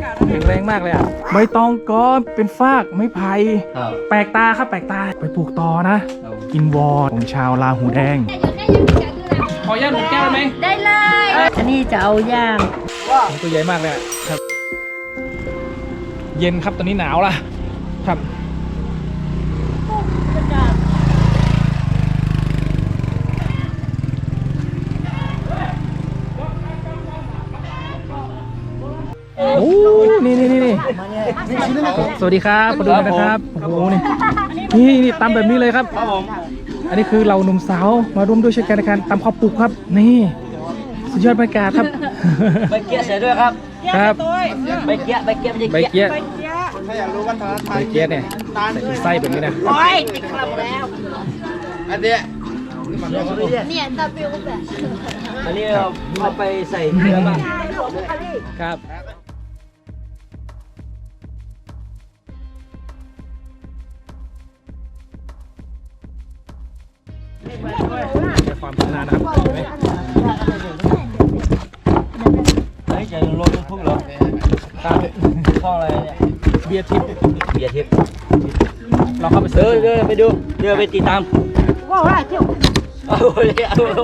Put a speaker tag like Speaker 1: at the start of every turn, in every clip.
Speaker 1: แข็งแรงมากเลยอ่ะใบตองก็เป็นฟากไม้ไผ่แปลกตาครับแปลกตาไปปลูกต่อนะกินวอร์ของชาวลาหูแดงขอย่างหนุ่มแก้วได้ไหม
Speaker 2: ได้เลยอันนี้จะเอาย่าง
Speaker 1: ตัวใหญ่มากเลยครับเย็นครับตอนนี้หนาวละครับโอ้นี่สวัสดีครับมาดูนะครับโอ้โหนี่ตำแบบนี้เลยครับอันนี้คือเราหนุ่มสาวมาร่วมด้วยช่วยกันในการตำข้าวปลูกครับนี่สุดยอดบรรยากาศครับ
Speaker 3: ใบเกี้ยเสียด้วยครับ
Speaker 1: ครับ
Speaker 3: ใบเกี้ย
Speaker 1: ถ้าอยากรู้วัฒนธรรมใบเกี้ยเนี่ยไส้แบบนี้นะ
Speaker 2: โอ้ยติดคลับแล้ว
Speaker 3: อันเนี้ย
Speaker 2: เนี่ยตาเปรี้ยวแบบ
Speaker 3: อันนี้เอาไปใส่เนื้อบ้าง
Speaker 1: ครับความชำนาญนะครับ
Speaker 3: เฮ้ยจะลงทุกเหรอตามช่องอะไรเนี่ย
Speaker 1: เบียร์ทิพย์เราเข้าไป
Speaker 3: เดินไปดูเดินไปติดตามว้าวเที่ยวเอาเลย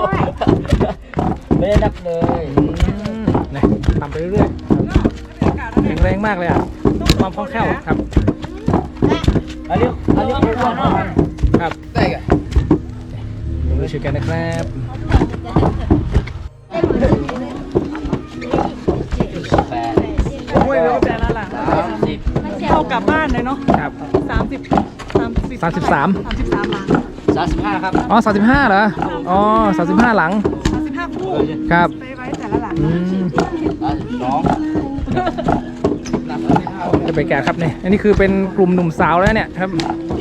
Speaker 3: ไม่ได้นับเลย
Speaker 1: นี่ทำไปเรื่อยๆแข็งแรงมากเลยอ่ะความคล่องแคล่วครับ
Speaker 3: อันนี้
Speaker 1: ครับได้กันดูช่วยกันนะครับ
Speaker 4: โอ้ยแล้วแต่ละหลังเข้ากลับบ้านเลยเนาะ
Speaker 1: ครับ
Speaker 4: 33
Speaker 1: หลัง
Speaker 3: ครับ
Speaker 1: อ๋อ35เหรออ๋อ35หลัง
Speaker 4: 35คู่
Speaker 1: ครับ
Speaker 4: ไปไว้แต่ละหลัง
Speaker 1: จะไปแก่ครับเนี่ยอันนี้คือเป็นกลุ่มหนุ่มสาวแล้วเนี่ยครับ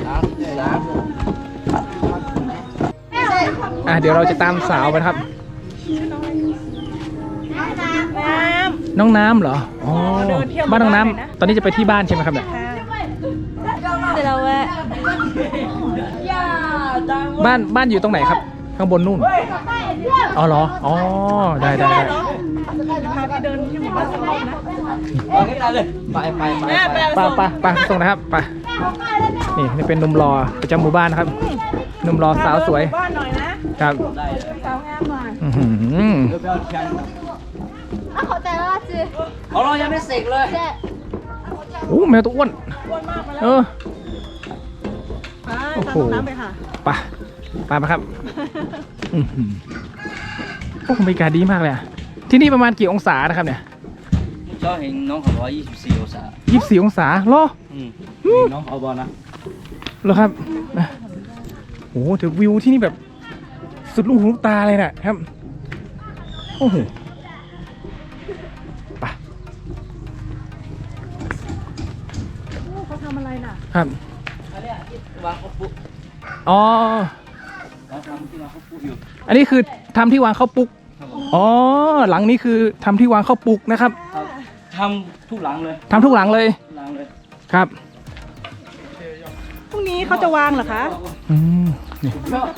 Speaker 1: เดี๋ยวเราจะตามสาวไปครับน้องน้ำเหรออ๋อบ้านน้องน้ำตอนนี้จะไปที่บ้านใช่ไหมครับเนี่ย
Speaker 2: เดี๋ยวเราแวะ
Speaker 1: บ้านอยู่ตรงไหนครับข้างบนนู่นอ๋อเหรออ๋อได้
Speaker 4: พาไปเดินที่หมู่บ้านสักรอบนะ
Speaker 1: ไปส่งนะครับไปนี่เป็นหนุ่มรอประจำหมู่บ้านนะครับหนุ่มรอสาวสวย
Speaker 4: บ้านหน่อยนะครับสาวงามหน่อย
Speaker 2: ขอแต่ละจี
Speaker 3: เรายังไม่เสร็จเลย
Speaker 1: โอ้แมวตัวอ้วน
Speaker 4: มากไปแล้ว
Speaker 1: โอ้โห
Speaker 4: น้ำไปค่ะ
Speaker 1: ไปครับโอ้บรรยากาศดีมากเลยที่นี่ประมาณกี่องศานะครับเนี่ย
Speaker 3: ก็เห็นน้องเขาว่า24 องศา
Speaker 1: 24 องศาเหรอ
Speaker 3: น้องเขาบอกนะ
Speaker 1: เหรอครับโอ้ถือวิวที่นี่แบบสุดลูกหูลูกตาเลยนะครับโอ้โหไป
Speaker 4: เขาทำอะไรน่ะ
Speaker 1: ครับ
Speaker 3: อันนี้ที่วางข้าวปุ๊ก
Speaker 1: อ๋อ
Speaker 3: ทำที่วางข้าวปุ๊กอยู่
Speaker 1: อันนี้คือทำที่วางข้าวปุ๊กอ๋อหลังนี้คือทำที่วางข้าวปุ๊กนะครับ
Speaker 3: ทำทุกหลังเลย
Speaker 1: ทำทุกหลังเลยครับ
Speaker 4: พรุ่งนี้เขาจะวางเหรอคะ
Speaker 1: นี่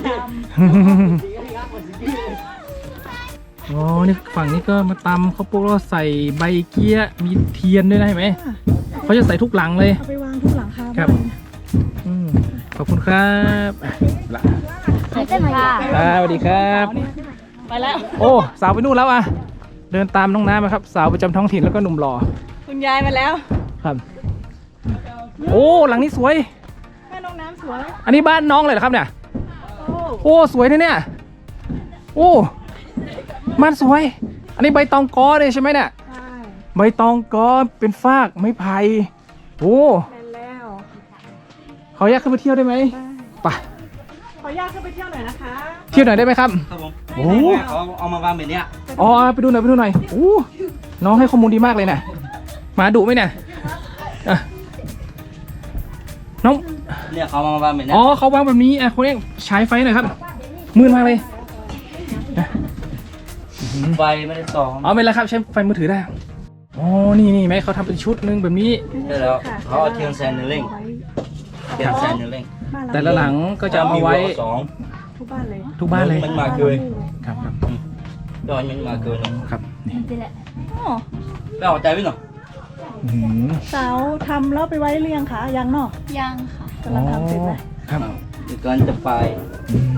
Speaker 1: อ๋อนี่ฝั่งนี้ก็มาตำข้าวปุ๊กแล้วใส่ใบเกี้ยมีเทียนด้วยนะเห็นไหมเขาจะใส่ทุกหลังเลย
Speaker 4: เอาไปวางทุกหลัง
Speaker 1: ครับขอบคุณครับละสวัสดีครับ
Speaker 4: ไปแล้ว
Speaker 1: โอ้สาวไปนู่นแล้วเดินตามน้องน้ำครับสาวประจำท้องถิ่นแล้วก็หนุ่มหล่อ
Speaker 4: คุณยายมาแล้ว
Speaker 1: ครับโอ้หลังนี้สวย
Speaker 4: บ้านน้องน้ำสวย
Speaker 1: อันนี้บ้านน้องเลยเหรอครับเนี่ยโอ้สวยเนี่ยโอ้บ้านสวยอันนี้ใบตองกอเลยใช่ไหมเนี่ยใบตองกอเป็นฟากไม้ไผ่โอ้ขออนุญาตขึ้นไปเที่ยวได้ไหมไป
Speaker 4: ขออนุญาตขึ้นไปเที่ยวหน่อยนะคะ
Speaker 1: เที่ยวหน่อยได้ไหมครับ
Speaker 3: ครับผมโอ้เอามาวางแบบนี้
Speaker 1: อ๋อไปดูหน่อยโอ้น้องให้ข้อมูลดีมากเลยนะมาดุไหมเนี่ยน้อง
Speaker 3: เนี่ยเขามาวางแบบนี้
Speaker 1: อ๋อเขาวางแบบนี้คนนี้ใช้ไฟหน่อยครับมืดมากเลย
Speaker 3: ไฟไม่ได้ส่อง
Speaker 1: อ๋อไม่เป็นไรครับใช้ไฟมือถือได้อ๋อนี่ไหมเขาทำเป็นชุดนึงแบบนี้
Speaker 3: ได้แล้วเขาเอาเทียนแซนเร่ง
Speaker 1: แต่ละหลังก็จะเอาไว้
Speaker 4: ทุกบ้าน
Speaker 1: เลย
Speaker 3: มันมาเกย
Speaker 1: ครับ
Speaker 3: ดอยมันมาเกย
Speaker 1: ครับ
Speaker 2: นี่แหละ
Speaker 3: แล้วเอาใจไว้หน่อย
Speaker 1: อื้อหือ
Speaker 5: เสาทำแล้วไปไว้เรียงคะยังเนาะ
Speaker 2: ยังค่ะ
Speaker 5: กำลังทำเสร็จไหม
Speaker 1: ครับ
Speaker 3: เดี๋ยวก่อนจะไป
Speaker 1: อืม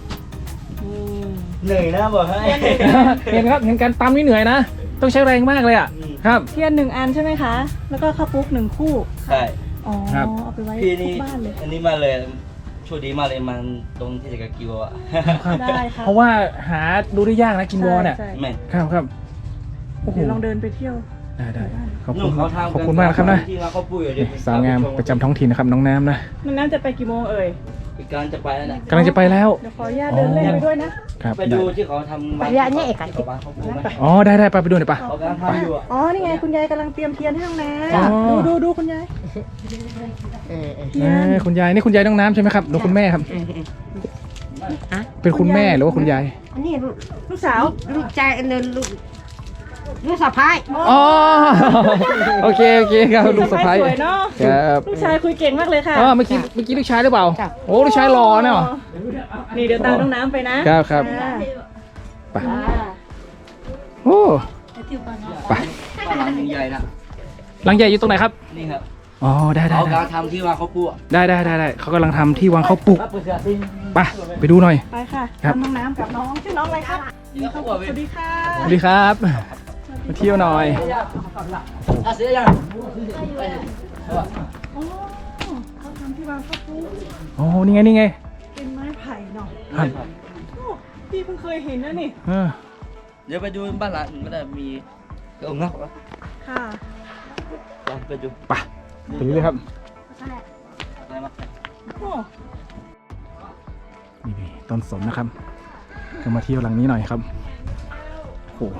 Speaker 3: เหนื่อยนะบอกให้
Speaker 1: เห็นครับเห็นการตำนี่เหนื่อยนะ ต้องใช้แรงมากเลยอ่ะครับ
Speaker 5: เทียน1 อันใช่ไหมคะ แล้วก็ข้าวปุ๊ก1 คู่
Speaker 3: ใช่
Speaker 5: อ๋อ
Speaker 1: ครับ
Speaker 5: เอาไปไว้
Speaker 3: พี่
Speaker 5: ทุ
Speaker 3: นี่
Speaker 5: กบ้านเลย
Speaker 3: อันนี้มาเลยโชคดีมากเลยมันตรงที่จะกะกิวอ่ะ
Speaker 1: ครับ
Speaker 5: ได้ค่ะ
Speaker 1: เพราะว่าหาดูได้ยากนะกินวอเนี่ย
Speaker 5: ใช่
Speaker 3: แม่
Speaker 1: ครับครับโอ้โห
Speaker 5: เดี๋ยวลองเดินไปเที่ยว
Speaker 1: ได้ขอบ
Speaker 3: นุ่
Speaker 1: คุ
Speaker 3: ม
Speaker 1: ณ
Speaker 3: เขาทำ
Speaker 1: ขอบคุณมากนะครับนะ
Speaker 3: ที่มาเขาปุ้ยเดี๋ยว
Speaker 1: สาวงามประจำท้องถิ่นนะครับน้องน้ำนะ
Speaker 5: มันน่าจะไปกี่โมงเอ่ย
Speaker 3: อีกการจะไปแล้วนะ
Speaker 1: กำลังจะไปแล้ว
Speaker 5: เดี๋ยวขออนุญาตเดินเล่นไปด้วยนะ
Speaker 1: ครับ
Speaker 3: ไปดูที่เขาทำ
Speaker 2: ไปเรียนเนี่ยเอก
Speaker 3: เขาบ้านเขาปุ้ยไหม
Speaker 1: อ๋อได้ไปดูหน่อยปะ
Speaker 3: เขากำลังทำอยู่อ่ะ
Speaker 5: อ๋อ นี่ไงคุณยายกำลังเตรียมเทียนให้น้องแน
Speaker 1: อ๋อ
Speaker 5: ดูคุณยายเทียน
Speaker 1: คุณยายนี่คุณยายน้องน้ำใช่ไหมครับหรือคุณแม่ครับเป็นคุณแม่หรือว่าคุณยาย
Speaker 6: อันนี้ลูก
Speaker 5: ลูกสาว
Speaker 6: ลูกชายอันนั้นลูกสะพ้าย
Speaker 1: อ๋อโอเคครับลูกสะใภ้
Speaker 5: สวยเนาะ
Speaker 1: ครับ
Speaker 5: ลูกชายคุยเก่งมากเลยค่ะ
Speaker 1: อ๋อเมื่อกี้ลูกชายหรือเปล่าโอ้ลูกชายหล่อเนาะ
Speaker 5: นี่เดี๋ยวตามน้องน้ำไปนะครับ
Speaker 1: ครับ
Speaker 5: อ่า
Speaker 1: ไปโอ้ไป
Speaker 3: บ้านหลังใหญ่นะ
Speaker 1: หลังใหญ่อยู่ตรงไหนครับ
Speaker 3: นี่ครับ
Speaker 1: อ๋อได้
Speaker 3: เขากำลังทำที่ว่าเขาปุ้ย
Speaker 1: ได้เขากำลังทำที่วางข้าวปลุกไปดูหน่อย
Speaker 5: ไปค่ะ
Speaker 1: ครับ
Speaker 5: ตามน้องน้ำกับน้องชื่อน้องอะไรครับสวัสดีค่ะ
Speaker 1: สวัสดีครับมาเที่ยวหน่อย
Speaker 3: เสียยัง
Speaker 5: โอ้เขาทำที่วางข้าวปุ๊ก
Speaker 1: โอ้นี่ไง
Speaker 5: เป็นไม้ไผ่เนาะ
Speaker 1: ครับ
Speaker 5: โอ้พี่เพิ่งเคยเห็นนะนี่
Speaker 1: เออ
Speaker 3: เดี๋ยวไปดูบ้านหลังไม่ได้มีกระองงักวะ
Speaker 5: ค่ะ
Speaker 3: ไปดู
Speaker 1: ไปดูเลยครับ
Speaker 3: อะไรมา
Speaker 5: โอ้
Speaker 1: นี่ต้นสนนะครับก็มาเที่ยวหลังนี้หน่อยครับโอ้โห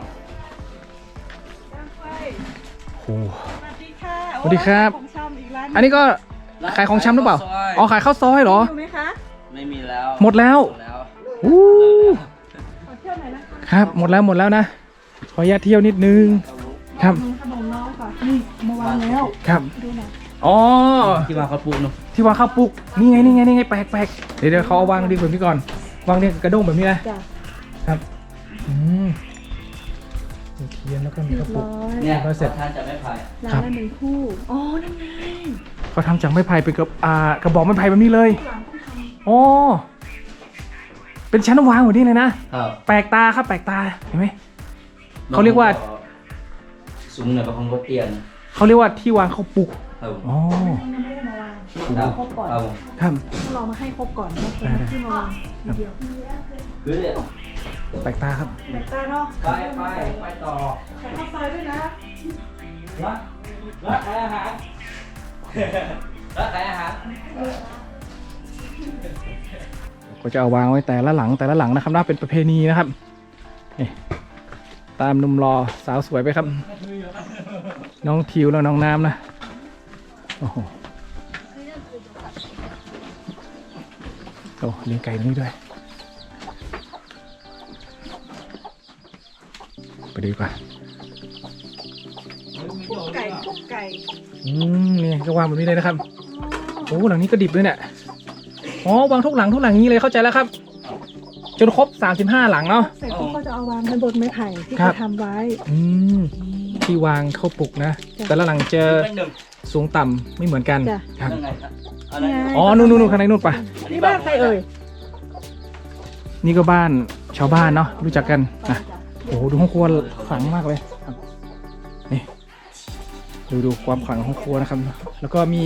Speaker 5: สวัสดีค่ะ
Speaker 1: สวัสดีครับ
Speaker 5: ของชำอีกร้าน
Speaker 1: อันนี้ก็ขายของชำหรือเปล่าอ๋อขายข้าวซอยเหรอ
Speaker 5: อยู่ไหมคะ
Speaker 3: ไม่มีแล้ว
Speaker 1: หมดแล้ว
Speaker 3: แล้ว
Speaker 1: อู้
Speaker 5: ขอเที่ยวหน่อยนะคะ
Speaker 1: ครับหมดแล้วนะขออนุญาตเที่ยวนิดนึงครับ
Speaker 5: ขนมน้องค่ะนี่มาวางแล้ว
Speaker 1: ครับ
Speaker 5: ดูหน่อย
Speaker 1: อ๋อ
Speaker 3: ที่ว่าเขาปลูกเนาะ
Speaker 1: ที่วางข้าวปลุกนี่ไงแปลกเดี๋ยวเขาเอาวางดีแบบนี้ก่อนวางเนี่ยกระด้งแบบนี้นะ
Speaker 5: จ้ะ
Speaker 1: ครับมีเทียนแล้วก็มี
Speaker 5: เรีย
Speaker 1: ข้าว
Speaker 5: บ
Speaker 1: ปลุก
Speaker 5: ร้อย
Speaker 3: เนี่ย
Speaker 1: เสร็จ
Speaker 3: ท่านจะไม่พาย
Speaker 5: ร้านละ1 คู่อ๋อนั่นไง
Speaker 1: เขาทำจากไม้ไผ่เป็นกระบอกไม้ไผ่แบบนี้เลยอ๋อเป็นชั้นวางแบบนี้เลยนะครับ แปลกตาครับแปลกตาเห็นไหม เขาเรียกว่า
Speaker 3: สูงหน่อยประคองรถเตียน
Speaker 1: เขาเรียกว่าที่วางข้าวปลุก
Speaker 3: ครับ
Speaker 1: อ๋อ
Speaker 5: ยังไม่ได้มาวาง
Speaker 3: ครับ
Speaker 5: ครบก่อน
Speaker 3: ครับ
Speaker 1: ครับ
Speaker 5: เรามาให้ครบก่อนแล้วค่อยมาที่มาวางทีเดียว
Speaker 3: คือเนี่ย
Speaker 1: แปลกตาครับ
Speaker 5: แบกตาเนาะ
Speaker 3: ไปต่อ
Speaker 5: ใส่ข้าวซอยด้วยนะ
Speaker 3: รักขายอาหารรักขายอาหาร
Speaker 1: ก็จะเอาวางไว้แต่ละหลังนะครับน่าเป็นประเพณีนะครับนี่ตามหนุ่มรอสาวสวยไปครับ น้องทิวแล้วน้องน้ำนะโอ้โหโอ้เลี้ยงไก่ตรงนี้ด้วยไปดูดีกว่า
Speaker 5: คุกไก่คุกไก่
Speaker 1: นี่ก็วางแบบนี้เลยนะครับโอ้หลังนี้ก็ดิบเลยเนี่ยอ๋อวางทุกหลังอย่างนี้เลยเข้าใจแล้วครับ จนครบ35หลังเนาะ
Speaker 5: เสร็จเขาก็จะเอาวางกันบนไม้ไผ่ที่
Speaker 1: ครั
Speaker 5: เขา
Speaker 1: บ
Speaker 5: ทำไว้
Speaker 1: ที่วางเข้าปลุกนะ
Speaker 5: จ้ะ
Speaker 1: แต่ละหลังจะ
Speaker 3: เป็นหนึ่ง
Speaker 1: สูงต่ำไม่เหมือนกัน
Speaker 5: จ้ะ
Speaker 1: ครับ
Speaker 3: ยังไงอะไร
Speaker 1: อ๋อนู่นข้างในนู่นปะ
Speaker 5: นี่บ้านใครเอ่ย
Speaker 1: นี่ก็บ้านชาวบ้านเนาะรู้จักกันอ่ะโอ้โหดูห้องครัวขลังมากเลยครับนี่ดูความขลังของครัวนะครับ แล้วก็มี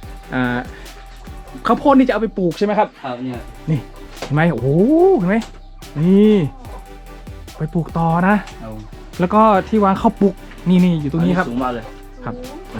Speaker 1: ข้าวโพดนี่จะเอาไปปลูกใช่ไหมครับ
Speaker 3: ครับเนี่ย
Speaker 1: นี่เห็นไหมโอ้โหเห็นไหมนี่ไปปลูกต่อนะ
Speaker 3: เอา
Speaker 1: แล้วก็ที่วางข้าวปลูกนี่อยู่ตรงนี้ครับ
Speaker 3: สูงมากเลย
Speaker 1: ครับ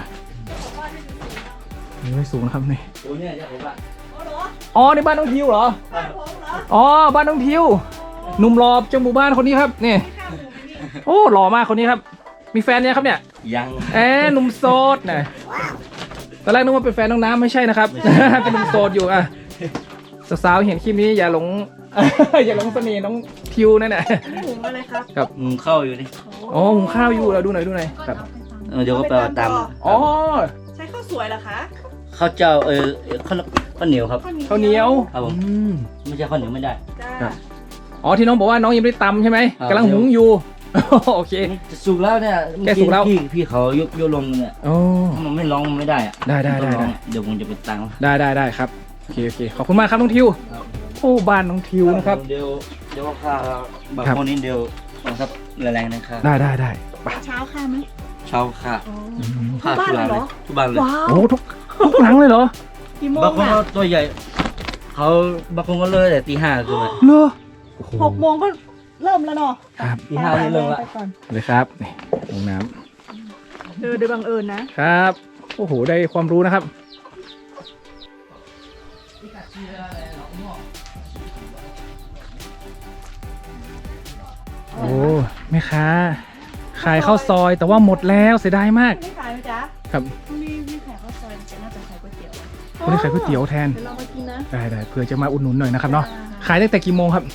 Speaker 1: นี่ไม่สูงนะครับนี่
Speaker 3: โอ้เนี่ยจะผมว่า
Speaker 1: อ๋อในบ้านน้องทิวเหรออ๋อบ้านน้องทิวหนุ่มหล่อจังหมู่บ้านคนนี้ครับนี่โอ้หล่อมากคนนี้ครับ มีแฟนยังครับเนี่ย
Speaker 3: ยัง
Speaker 1: หนุ่มโสดนะตอนแรกนึกว่าเป็นแฟนน้องน้ำไม่ใช่นะครับ เป็นหนุ่มโสดอยู่อ่ะสาวๆเห็นคลิปนี้อย่าหลง อย่าหลงเสน่ห์น้องทิวนั่นแหละ
Speaker 5: นี่หุงอะไรครับ
Speaker 1: ครับ
Speaker 3: เข้าอยู่นี่
Speaker 1: อ๋อหุงข้าวอยู่เราดูหน่อยครับ
Speaker 3: เดี๋ยวก็ไปเอาตาม
Speaker 1: อ๋อ
Speaker 5: ใช้ข้าวสวยเหรอคะ
Speaker 3: ข้าวเจ้าข้าวเหนียวครับ
Speaker 1: ข้าวเหนียว
Speaker 3: ครับผม
Speaker 1: อืม
Speaker 3: ไม่ใช่ข้าวเหนียวไม่ได้
Speaker 5: จ้า
Speaker 1: ครับ อ๋อที่น้องบอกว่าน้องยังไม่ได้ตำใช่ไหม
Speaker 3: ครับ
Speaker 1: กำลังหุงอยู่โอเค
Speaker 3: จะสุกแล้วเนี่ย
Speaker 1: แกสุกแล้ว
Speaker 3: พี่เขายกลงเนี่ย
Speaker 1: โอ้
Speaker 3: ถ้ามันไม่ร้องมันไม่ได้อะ
Speaker 1: ได้
Speaker 3: ต้องร้องเดี๋ยวผมจะไปตังค์
Speaker 1: ได้ครับโอเคขอบคุณมากครับน้องทิวโอ้บ้านน้องทิวนะครับ
Speaker 3: เดี๋ยวข้าบาง
Speaker 1: ครับ
Speaker 3: คนนี้เดี๋ยวบังคับแรงๆนะครับ
Speaker 1: ได้ไป
Speaker 6: เช้าค่ะไหม
Speaker 3: เช่าค่า
Speaker 1: อืม
Speaker 3: ค่าทุกร้านเลยทุกบ้านเลย
Speaker 6: ว้าว
Speaker 1: โอ้ทุกหลังเลยเหรอ
Speaker 6: กี่โมง
Speaker 3: บางคน
Speaker 6: อ่ะ
Speaker 3: ก็ตัวใหญ่เขาบางคนก็เลยแต่ตี 5คือ
Speaker 1: เหรอโอ้โห
Speaker 6: 6 โมงก็เริ่มแล้วเนาะ
Speaker 1: ครับ
Speaker 3: ตี 5นี่เริ่มละ
Speaker 6: ไปก่อน
Speaker 1: เลยครับนี่ลงน้
Speaker 6: โดยบังเอิญนะ
Speaker 1: ำครับโอ้โหได้ความรู้นะครับโอ้แม่ค้าขายข้าวซอยแต่ว่าหมดแล้วเสียดายมาก
Speaker 6: ไม่ขายไหมจ๊ะ
Speaker 1: ครับ
Speaker 6: ไม่ขายข้าวซอยแต่น่าจะขายก๋วยเตี๋ยว
Speaker 1: วันนี้ขายก๋วยเตี๋ยวแทน
Speaker 6: เดี๋ยวเรามากินนะ
Speaker 1: ได้เผื่อจะมาอุดหนุนหน่อยนะครับเนาะขายตั้งแต่กี่โมงครับ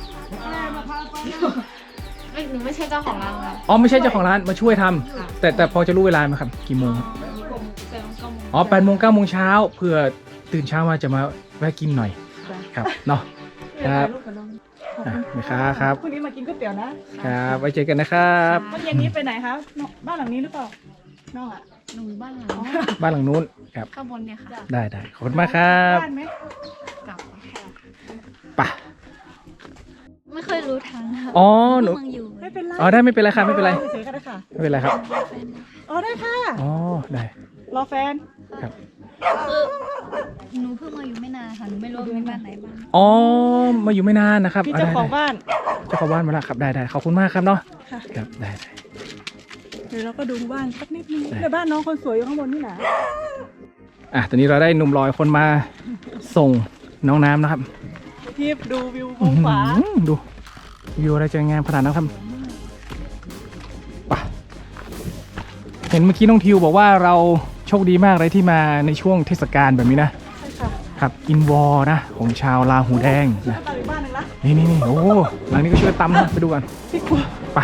Speaker 2: หนูไม่ใช่เจ้าของร้านครับ
Speaker 1: อ๋อไม่ใช่เจ้าของร้านมาช่วยทำแต่พอจะรู้เวลาไหมครับกี่โมงครับอ๋อ8 โมง 9 โมงเช้าเพื่อตื่นเช้ามาจะมาแวะกินหน่อยครับเนาะครับ
Speaker 6: ลูกกับน้อง
Speaker 1: อ่ะแม่ค้าครับ
Speaker 6: พรุ่งนี้มากินก๋วยเตี๋ยวนะครับ
Speaker 1: ไว้เจอกันนะครับ
Speaker 6: เมื่อเย็นนี้ไปไหนคะน้องบ้านหลังนี้หรือเปล่าน้องอ่ะ
Speaker 2: หนูบ้านหลัง
Speaker 1: บ้านหลังนู้นครับ
Speaker 2: ข้างบนเนี่ยค่ะ
Speaker 1: ได้ขอบคุณมากครับ
Speaker 6: บ้านไหม
Speaker 2: กลับ
Speaker 1: ไป่ะ
Speaker 2: ไม่เคยรู้ทางค่ะ
Speaker 1: อ๋อหนู
Speaker 2: เมืองอยู่
Speaker 6: ไม่เป็นไร
Speaker 1: อ๋อได้ไม่เป็นไรครับไม่เป็นไร
Speaker 6: เฉยๆก็ได้ค่ะ
Speaker 1: ไม่เป็นไรครับ
Speaker 6: อ๋อได้ค่ะ
Speaker 1: อ๋อได้
Speaker 6: รอแฟน
Speaker 1: ครับ
Speaker 2: คือหนูเพิ่งมาอยู่ไม่นานค่ะ หนูไม่รู้ว่ามีบ้านไหนบ้าง
Speaker 1: อ๋อมาอยู่ไม่นานนะครับ
Speaker 6: พี่เจ้าของ
Speaker 1: ได้
Speaker 6: บ้าน
Speaker 1: เจ้าของบ้านมาแล้วครับได้ขอบคุณมากครับเนาะ
Speaker 6: ค่ะ
Speaker 1: ครับได้
Speaker 6: เดี๋ยวเราก็ดูบ้านสักนิดนึงเดี๋ยวบ้านน้องคนสวยอยู่ข้างบนนี่นะ
Speaker 1: อ่ะตอนนี้เราได้หนุ่มลอยคนมาส่งน้องน้ำนะครับ
Speaker 6: พี่ดูวิวมุมขวา
Speaker 1: อื้อหือดูวิวอะไรจะงามขนาดนั้นครับไป่ะเห็นเมื่อกี้น้องทิวบอกว่าเราโชคดีมากเลยที่มาในช่วงเทศกาลแบบนี้นะ
Speaker 6: ใช่ค่ะ
Speaker 1: ครับอินวอร์นะของชาวลาหูแดงนะ
Speaker 6: บ้านอีกบ้านหนึ่งละ
Speaker 1: นี่โอ้หลังนี้ก็ช่วยตำนะไปดูกัน
Speaker 6: พี่กลัว
Speaker 1: ไป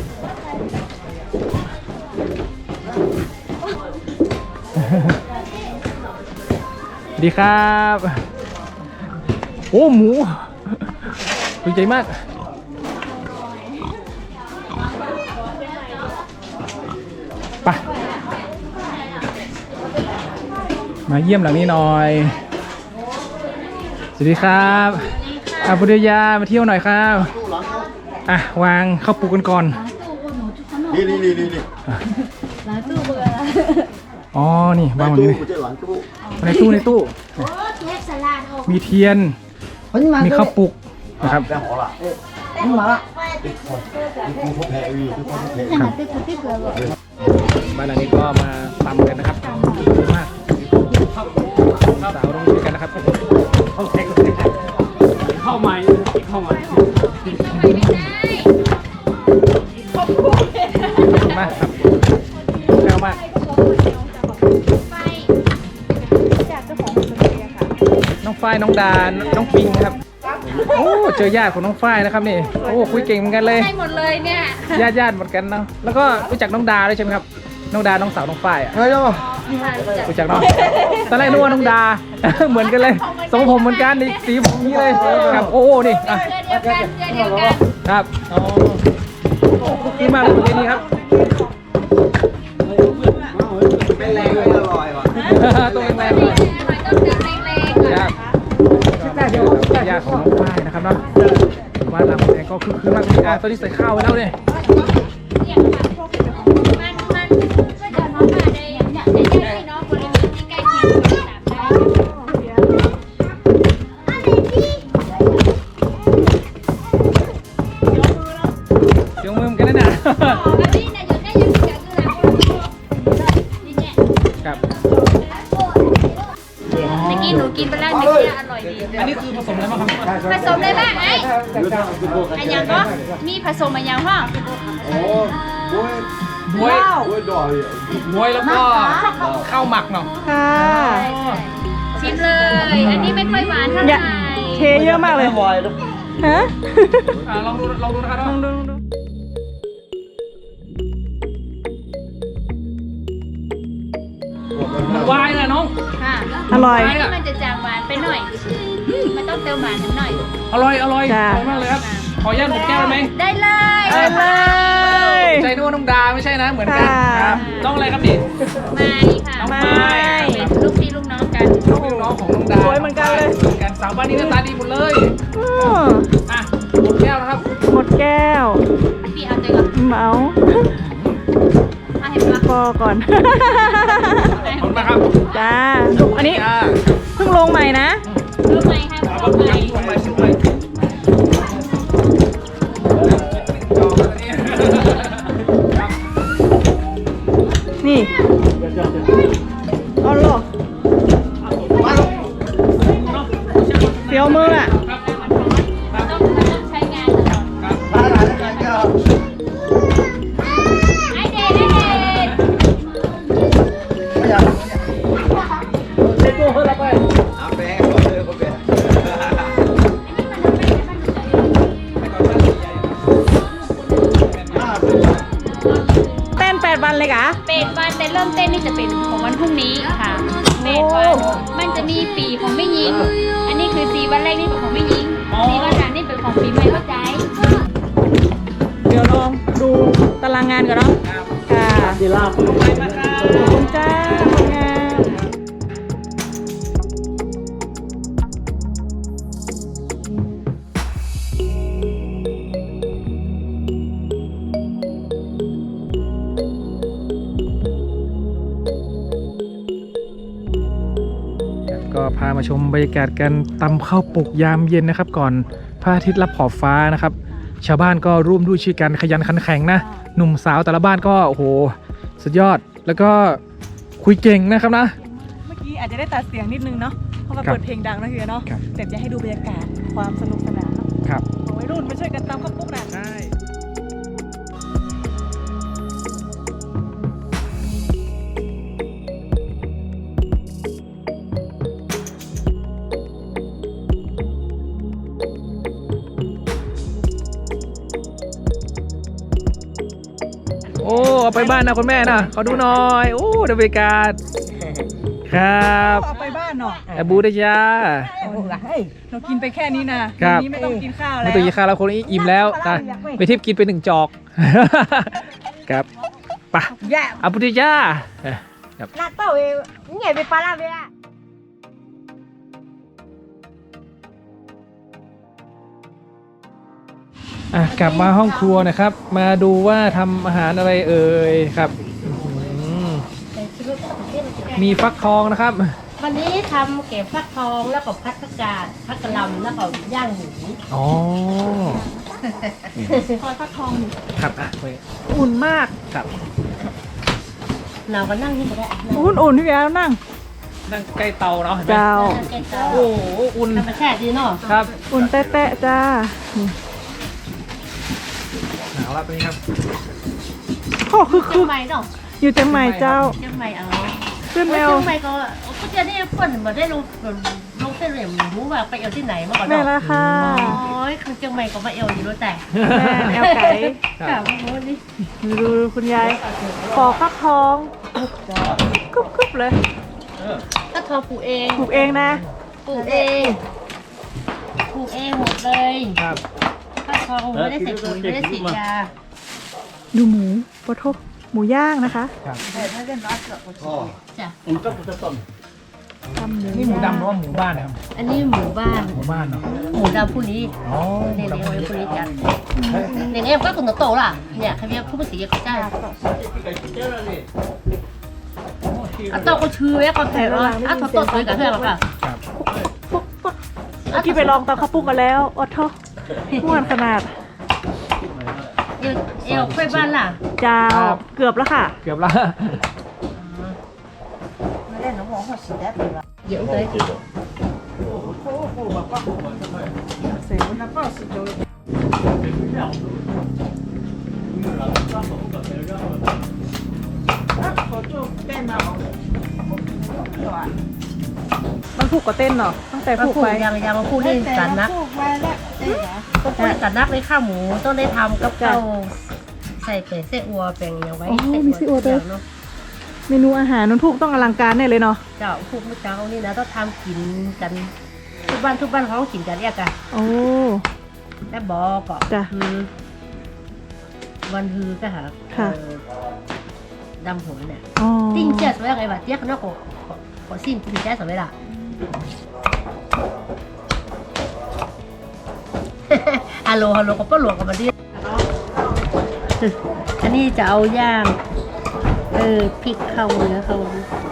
Speaker 1: ดีครับโอ้หมูดีใจมากไปมาเยี่ยมหลังนี้หน่อยสวัสดีครับบุตรยามาเที่ยวหน่อยครับอ่ะวางข้าวปูกันก่อน
Speaker 5: นี่
Speaker 2: ร้านตู้เบื่อ
Speaker 1: อ๋อนี่วางแบบนี้
Speaker 5: กูจะหลังตู้
Speaker 1: ในตู้
Speaker 2: เทปสลัดโอ้
Speaker 1: มีเทียนมีข้าวปุกนะครับ
Speaker 5: แต่หอละมาละกูเขาแพ้วีกูเขาแพ้
Speaker 1: ครับ
Speaker 2: ติ๊กติ๊กเลยบอก
Speaker 1: บ้านหลังนี้ก็มาตำกันนะครับดีมากสาวต้องช่วยกันนะครับเข้าใหม่มากครับแก้วมาก
Speaker 6: จากเจ้าของคนเดียวค่ะ
Speaker 1: น้องฝ้ายน้องดาน้องปิงครับโอ้เจอญาติของน้องฝ้ายนะครับนี่โอ้คุยเก่งเหมือนกันเลย
Speaker 2: ให้หมดเลยเนี่ย
Speaker 1: ญาติเหมือนกันเนาะแล้วก็รู้จักน้องดาด้วยใช่ไหมครับน้องดาน้องสาวน้องฝ้ายอ่ะ
Speaker 5: เฮ้ยเจ้า
Speaker 1: รู้จักเนาะตอนแรกนึกว่าน้องดา เหมือนกันเลยทรงผมเหมือนกันนี่สีผมนี้เลยครับโอ้นี่อ่ะ
Speaker 2: เดียวกันเดียวกัน
Speaker 1: ครับอ๋อดีมากเลยคนนี้ครับ
Speaker 5: เป็นแรงเลยอร่อยว่ะ
Speaker 1: ตัวแรงๆเลย
Speaker 2: ต้องเดินแรงๆก่อน
Speaker 1: ครับญาติของน้องฝ้ายนะครับเนาะบ้านเราแองก็คือมากเลยตอนนี้ใส่ข้าวไว้แล้วเนี่ย
Speaker 2: มันก็จะน้องมาได้อย่างเนี้ยในญาติพี่น้องบริเวณที่ใกล้เคียงกันได้
Speaker 1: เสียงมือกันนะ
Speaker 2: อันนี้เนี่ยอยู่ใกล้ยังจะคือหลังนี่เนี่ย
Speaker 1: ครับ
Speaker 2: เมื่อกี้หนูกินไปแล้วเมื่อกี้อร่อยดี
Speaker 1: อันนี้คือผสมอะไรบ้างครับ
Speaker 2: ผสมอะไรบ้างไอ้อันยังก็มีผสมอันยังห้อง
Speaker 1: บวย
Speaker 5: โอ้ยดอย
Speaker 1: บวยแล้วก็ข้าวหมักเนาะ
Speaker 6: ค่ะ
Speaker 2: ชิมเลย อันนี้ไม่ค่อยหวานเท่าไห
Speaker 6: อย่า
Speaker 2: ร่
Speaker 6: เทเยอะมากเลย
Speaker 3: บอยลูก
Speaker 6: ฮะ
Speaker 1: ลองดูนะครับ
Speaker 6: ลองดู
Speaker 1: วายเลยน้อง
Speaker 2: ค่ะ
Speaker 6: อร่อย
Speaker 2: อันนี้มันจะจางหวานไปหน่อย มันต้องเติมหวานนิดหน่อย
Speaker 1: อร่อย
Speaker 6: จ้ะ
Speaker 1: มากเลยครับ
Speaker 2: ค่ะ
Speaker 1: ขออนุญาตหมดแก้วได้ไหม
Speaker 2: ได้เลย
Speaker 6: ไปเลย
Speaker 1: ใจนึกว่าน้องดาไม่ใช่นะเหมือนกัน
Speaker 6: ค่ะ
Speaker 1: ครับน้องอะไรครับนี่
Speaker 2: ไม่ค่ะ
Speaker 1: น้อง
Speaker 6: ไม่
Speaker 1: ไม้
Speaker 2: เป็นลูกพี่ลูกน้องกัน
Speaker 1: ลูกน้องของน้องดา
Speaker 6: สวยเหมือนกันเลย
Speaker 1: เหมือนกันสาวบ้านนี้หน้าตาดีหมดเลย
Speaker 6: อ้อ
Speaker 1: อ่ะหมดแก้วนะครับ
Speaker 6: หมดแก้ว
Speaker 2: พี่เอาใจก่อน
Speaker 6: เมา
Speaker 2: เอาเห็นปะ
Speaker 6: พอก่อน
Speaker 1: ขอบคุณมากครับ
Speaker 6: จ้าดูอันนี้
Speaker 1: จ้า
Speaker 6: เพิ่งลงใหม่นะ
Speaker 2: รู้ไหมครับ
Speaker 1: เอา
Speaker 2: รู้ไหม
Speaker 1: ลงไปสุดเลยจองแล้วเนี่ยครับ
Speaker 6: นี่เอาหรอเสียวมืออ่ะ
Speaker 2: ต้องใช้งานตลอด
Speaker 1: ครับ
Speaker 5: ร้านอาหารยังไงก็
Speaker 2: ไอเดนไอเดน
Speaker 5: ไม่อยาก
Speaker 1: เจ๊ตัวเฮ้ยเราไป
Speaker 5: อาแปะก่อนเลยก็แปะ
Speaker 6: เต้น8 วันเลยกะ
Speaker 2: เป็ดวันแต่เริ่มเต้นนี่จะเป็นของวันพรุ่งนี้ค่ะเป็ดวันมันจะมีปีของแม่ยิง อันนี้คือ4 วันแรกนี่เป็นของแม่ยิง4 วันหลังนี่เป็นของปีใหม่เข้าใจ
Speaker 6: เดี๋ยวลองดูตารางงานก่อนเนาะค่ะดีลาบขอบคุณจ้าคนงาน
Speaker 1: ก็พามาชมบรรยากาศการตำข้าวปลุกยามเย็นนะครับ ก่อนพระอาทิตย์ลับขอบฟ้านะครับ ชาวบ้านก็ร่วมด้วยช่วยกันขยันขันแข็งนะ หนุ่มสาวแต่ละบ้านก็โอ้โหสุดยอดแล้วก็คุยเก่งนะครับนะ
Speaker 6: เมื่อกี้อาจจะได้ตัดเสียงนิดนึงเนาะเพราะว่า
Speaker 1: ครับ
Speaker 6: เปิดเพลงดังนะเฮียเนาะ
Speaker 1: ครับ
Speaker 6: แต่จะให้ดูบรรยากาศความสนุกสนานเนาะ
Speaker 1: ครับ
Speaker 6: ของวัยรุ่นมาช่วยกันตำข้าวปุ๊กนะ
Speaker 1: ใช่โอ้เอาไปบ้านนะคุณแม่นะขอดูหน่อยโอ้ดูบรรยากาศครับ
Speaker 6: เอาไปบ้านเนาะ
Speaker 1: แอบูได้จ้า
Speaker 6: เรากินไปแค่นี้นะครับ วันนี้ไม่ต้องกินข้าว
Speaker 1: ไม่
Speaker 6: แล้ว
Speaker 1: ต้องกินข้าวแล้วคนนี้อิ่มแล้วนะไปทิพย์กินไป1 จอก ครับไปอาบุตรจ้า
Speaker 7: 那到位，你也别扒拉呗。
Speaker 1: อ่ะกลับมาห้องครัวนะครับ มาดูว่าทำอาหารอะไรเอ่ยครับอืมมีฟักทองนะครับ
Speaker 7: วันนี้ทำเก็บฟักทองแล้วก็พัดผักกาดผักกะหล่ำแล้วก็ย่างหมู
Speaker 1: อ๋อ
Speaker 6: คอยฟักทองอยู่
Speaker 1: ครับอ่ะไป
Speaker 6: อุ่นมาก
Speaker 1: ครับ
Speaker 7: เราก็นั่งนี่ก็ได้
Speaker 6: อุ่นพี่แก้วนั่ง
Speaker 1: นั่งใกล้เตาเนาะเห็นไหม
Speaker 6: เจ้า
Speaker 1: โอ้โหอุ่น
Speaker 7: ธรรมชาติดีเนาะ
Speaker 1: ครับ
Speaker 6: อุ่นแตะๆจ้านี่
Speaker 1: หนาวแล้วตอนนี้ครับ
Speaker 6: โอ้คือ
Speaker 7: เชียงใหม่เนาะ
Speaker 6: อยู่เชียงใหม่เจ้า
Speaker 7: เชียงใหม่เอา
Speaker 6: ขึ้นแมว
Speaker 7: เชียงใหม่ก็จะได้คนมาได้ลงเส้นเหลี่ยมรู้ว่าไปเอาที่ไหนมาก่อน
Speaker 6: แม่
Speaker 7: เนาะ
Speaker 6: ละค่ะ
Speaker 7: โอ้ยคือเชียงใหม่ก็มาเอวอยู่แล้วแต่
Speaker 6: แม่แอลไก่
Speaker 7: ค่ะโอ้โหนี่
Speaker 6: ดูคุณยายปอกฟักทองกรุบๆเลย
Speaker 7: ก็ทอปลูกเอง
Speaker 6: ปลูกเองนะ
Speaker 7: ปลูกเองปลูกเองหมดเลย
Speaker 1: ครับ
Speaker 7: ก็ทองไม่ได้ใส่ปุ๋ยไม่ได้ฉีดยา
Speaker 6: ดูหมูปะทบหมูย่างนะคะ
Speaker 1: ครับ
Speaker 5: พ่อ
Speaker 7: จ้ะ
Speaker 6: ทำหมู
Speaker 1: นี่หมูดำหรือว่าหมูบ้านนะครับ
Speaker 7: อันนี้หมู่บ้าน
Speaker 1: หมูบ้านเนาะ
Speaker 7: หมูดำผู้นี้
Speaker 1: อ๋อห
Speaker 7: เลี้
Speaker 1: มู
Speaker 7: ยง
Speaker 1: ดำ
Speaker 7: ไว้ผู้นี้จ้ะเลี้ยงเองก็คุณโตล่ะเนี่ยเขาเรียกผู้ภาษีเขาจ้างอ่ะโตก็ชื่อไว้ก่อนแถวอ่ะอ่ะโตสวยกับเพื่อนค่ะ
Speaker 1: ครับ
Speaker 6: เมื่อกี้ไปลองตำข้าวปุ้งกันแล้วอดทอม่วนขนาด
Speaker 7: เอวไปบ้านล่ะ
Speaker 6: เจ้าเกือบแล้วค่ะ
Speaker 1: เกือบละ
Speaker 7: เดี๋ยวเลย
Speaker 6: มันผูกกับเต้นเนาะตั้งแต่
Speaker 7: มา
Speaker 6: ผูก
Speaker 7: พูด
Speaker 6: ไป
Speaker 7: ยังมาพูดเล่นกันนักต้องพูดกันนักเลยข้าวหมูต้องได้ทำกับข้าวใส่เป็ดเส้อัวแปลงอย่างไว้เนาะ
Speaker 6: เมนูอาหารนุ่นผูกต้องอลังการแน่เลยเนาะ
Speaker 7: เจ้าพูดเมื่อเช้านี่นะต้องทำกินกันทุกบ้านเขากินกันเรียกกัน
Speaker 6: โอ้
Speaker 7: ไปถ้าบอกก็
Speaker 6: จ้ะ
Speaker 7: คือวันฮือก็หา
Speaker 6: ค่ะ
Speaker 7: ดำหัวเนี่ย
Speaker 6: อ๋อ
Speaker 7: ติ้งเจ๊สมัยไงวะเจ๊ข้างนอกก็สิ้นติ้งเจ๊สมัยละฮัลโหลก็ป้าหลวงกับมาดิอันนี้จะเอาย่างพริกเข้าเนื้อเข้า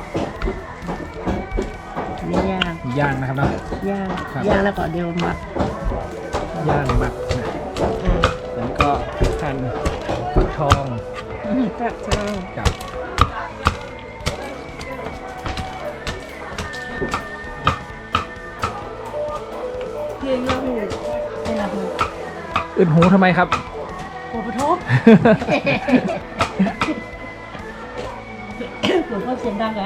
Speaker 7: นี่ย่าง
Speaker 1: ย่างนะครับเนาะ
Speaker 7: ย่าง
Speaker 1: ครับ
Speaker 7: ย่างแล้วก็เดี๋ยวมัก
Speaker 1: ย่างหมักนะแล้วก็หั่นฟักทอง
Speaker 6: ครับ
Speaker 1: กับ
Speaker 6: เพียงละหู
Speaker 7: นี่ละคือ
Speaker 1: อึดหูทำไมครับ
Speaker 7: หัวปะทุกหลวงพ่อเสียงดังไง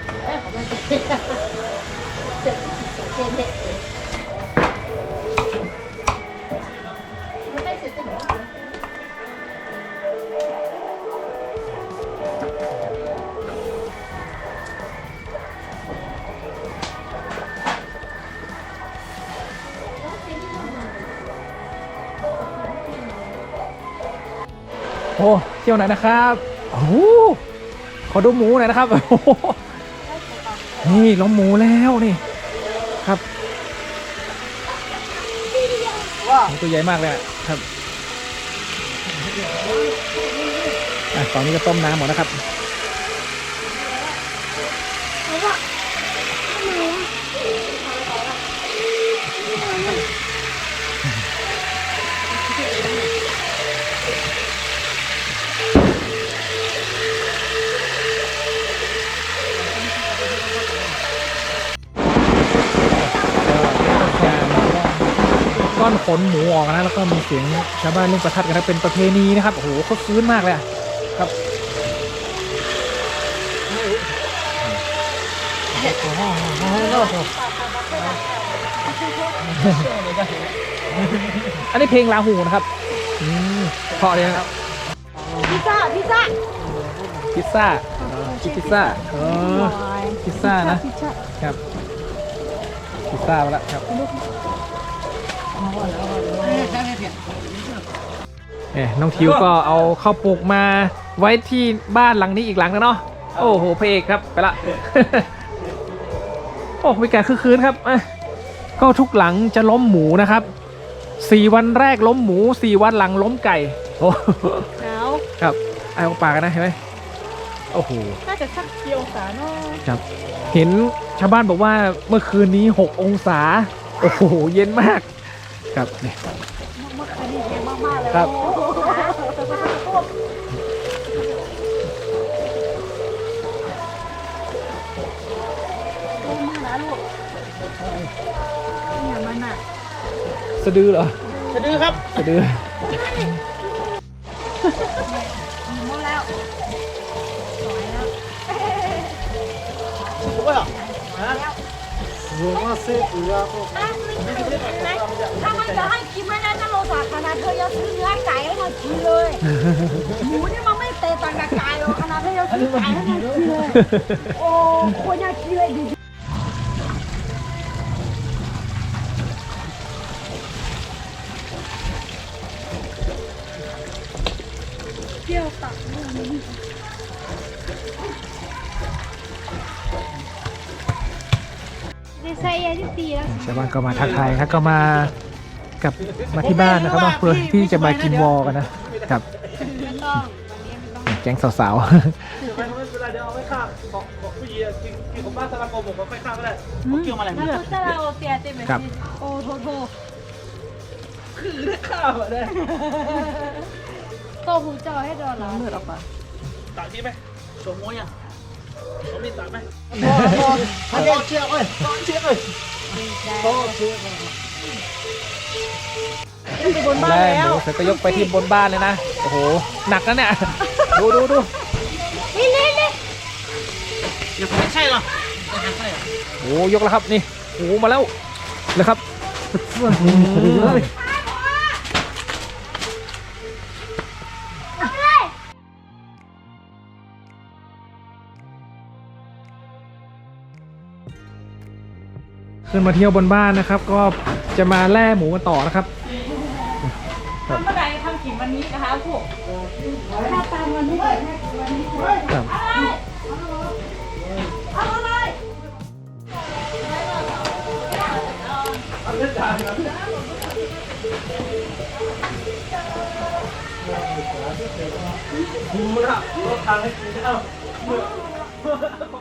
Speaker 1: โอ้เที่ยวไหนนะครับโอ้โหขอดูหมูหน่อยนะครับโอ้โหนี่ล้มหมูแล้วนี่ครับหมูตัวใหญ่มากเลยอะครับตอนนี้ก็ต้มน้ำหมดนะครับก้อนขนหมูออกนะแล้วก็มีเสียงชาวบ้านเล่นประทัดกันนะเป็นประเพณีนะครับโอ้โหเขาฟื้นมากเลยอะครับอันนี้เพลงลาหูนะครับเพราะเลยนะครับ
Speaker 6: พิซซ่า
Speaker 1: พิซซ่าพิซซ่าพิซซ่านะ
Speaker 6: พิซซ่า
Speaker 1: ครับพิซซ่ามาแล้วครับน้องทิวก็เอาข้าวปลูกมาไว้ที่บ้านหลังนี้อีกหลังนะเนาะโอ้โหพระเอกครับไปละ โอ้มีการคึกคืนครับก็ทุกหลังจะล้มหมูนะครับ4 วันแรกล้มหมู4 วันหลังล้มไก่โอ้
Speaker 6: หนาว
Speaker 1: ครับเอาปากกันนะเห็นไหมโอ้โห
Speaker 6: น่าจะสักกี่องศาเนาะ
Speaker 1: ครับเห็นชาวบ้านบอกว่าเมื่อคืนนี้6 องศาโอ้โหเย็นมากครับนี่
Speaker 6: เมื่อคืนนี้เย็นมากๆเลย
Speaker 1: ครับ
Speaker 6: โอ้มาแล้วลูกเนี่ยมันอ่ะ
Speaker 1: สะดือเหรอ
Speaker 3: สะดือครับ
Speaker 1: สะดือ
Speaker 6: หมดแล้ว
Speaker 3: ถูกป่ะฮะ
Speaker 5: รวมว่าเซ็ตหรือว่า
Speaker 6: ถ้ามันจะให้กินไม่ได้ถ้าเราสาธารณะเธอจะซื้อเนื้อไก่ให้มันกินเลย หมูนี่มันไม่เตะต่างกับไก่หรอกขนาดที่เราซื้อไก่ให้มันกินเลย โอ้คนอยากกินเลยดิเที่ยวตักมือนี้
Speaker 1: ชาวบ้านก็มาทักทายครับก็มากับมาที่บ้านนะครับเพื่อที่จะมากินวอกันนะครับแก๊งสาว
Speaker 3: เวลาเดี๋ยวเอาไว้ข้างของผู้หญิงกินของบ้านสลักโกบอกว่าไว้ข้างก็ได้ผมเกี่ยวมาอะไร
Speaker 6: แล้ว
Speaker 3: เลือด
Speaker 6: ถ้าเราเตียเต็มเลย
Speaker 1: ๆครับ
Speaker 6: โอ้โทโท
Speaker 3: คือได้ข้าวอ่ะได้
Speaker 6: โตหูจอให้ดอนแล้วเลือดออกมา
Speaker 3: ตัดที่ไหมโชว์มวยอ่ะเขามีตัดไหม
Speaker 5: ถ้าเด็กเชี่ยวเอ้ย
Speaker 3: เชียร์เลย
Speaker 6: ไปบนบ้าน
Speaker 1: แล่
Speaker 6: แล้ว
Speaker 1: หมูเสร็จก็ยกไปที่บนบ้านเลยนะโอ้โหหนักนะเนี่ยดู
Speaker 3: อย่าผมไม่ใช่หรอ
Speaker 1: โอ้ยกแล้วครับนี่โอ้มาแล้วเลยครับขึ้นมาเที่ยวบนบ้านนะครับ ก็จะมาแล่หมูกันต่อนะครับครับ
Speaker 6: ทำเมื่อไหร่ทำกี่วันนี้นะคะพวก
Speaker 1: ครับ
Speaker 6: เอาอะไร
Speaker 3: คุ้มละรถทางให้กินเอ้า